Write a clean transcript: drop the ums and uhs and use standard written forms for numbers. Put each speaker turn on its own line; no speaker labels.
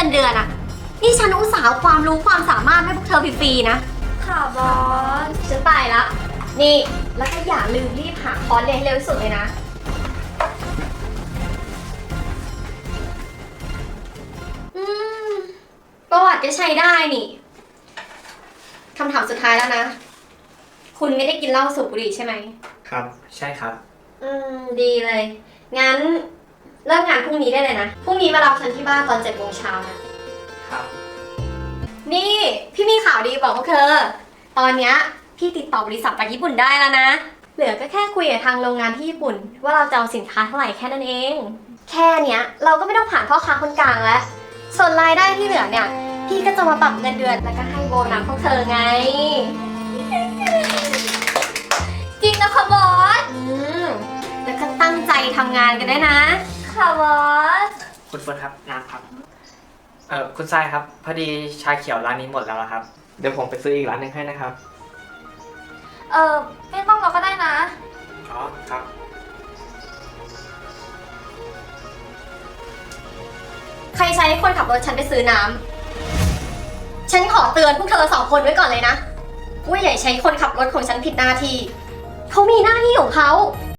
เดือนอะนี่ฉันอุตส่าห์เอาความรู้ความสามารถให้พวกเธอฟรีๆนะ
ค่ะบอส
ฉันไปละ นี่ แล้วก็อย่าลืมรีบหาคอร์สเรียนให้เร็วที่สุดเลยนะ อืม ประวัติก็ใช้ได้นี่ คำถามสุดท้ายแล้วนะ คุณไม่ได้กินเหล้าสูบบุหรี่ใช่ไหม
ครับ ใช่ครับ
ดีเลย งั้นเริ่มงานพรุ่งนี้ได้เลยนะ พรุ่งนี้มารับฉันที่บ้านตอน7 โมงเช้านะ
ครับ
นี่พี่มีข่าวดีบอกพวกเธอ ตอนเนี้ยพี่ติดต่อบริษัทจากญี่ปุ่นได้แล้วนะ เหลือก็แค่คุยกับทางโรงงานที่ญี่ปุ่น ว่าเราจะเอาสินค้าเท่าไหร่แค่นั้นเอง แค่เนี้ยเราก็ไม่ต้องผ่านพ่อค้าคนกลางแล้ว ส่วนรายได้ที่เหลือเนี่ย พี่ก็จะมาปรับเงินเดือนแล้วก็ให้โบนัสพวกเธอไง
จริงนะคะบอส
แล้วก็ตั้งใจทำงานกันด้วยนะ
ค่ะบอส
คุณเฟิร์นครับน้ำครับ คุณทรายครับ พอดีชาเขียวร้านนี้หมดแล้วนะครับ เดี๋ยวผมไปซื้ออีกร้านหนึงให้นะครับ
ไม่ต้องเราก็ได้นะ
อ๋อ ครับ
ใครใช้คนขับรถฉันไปซื้อน้ำ ฉันขอเตือนพวกเธอ2 คนไว้ก่อนเลยนะว่าอย่าใช้คนขับรถของฉันผิดหน้าที่ เขามีหน้าที่ของเขา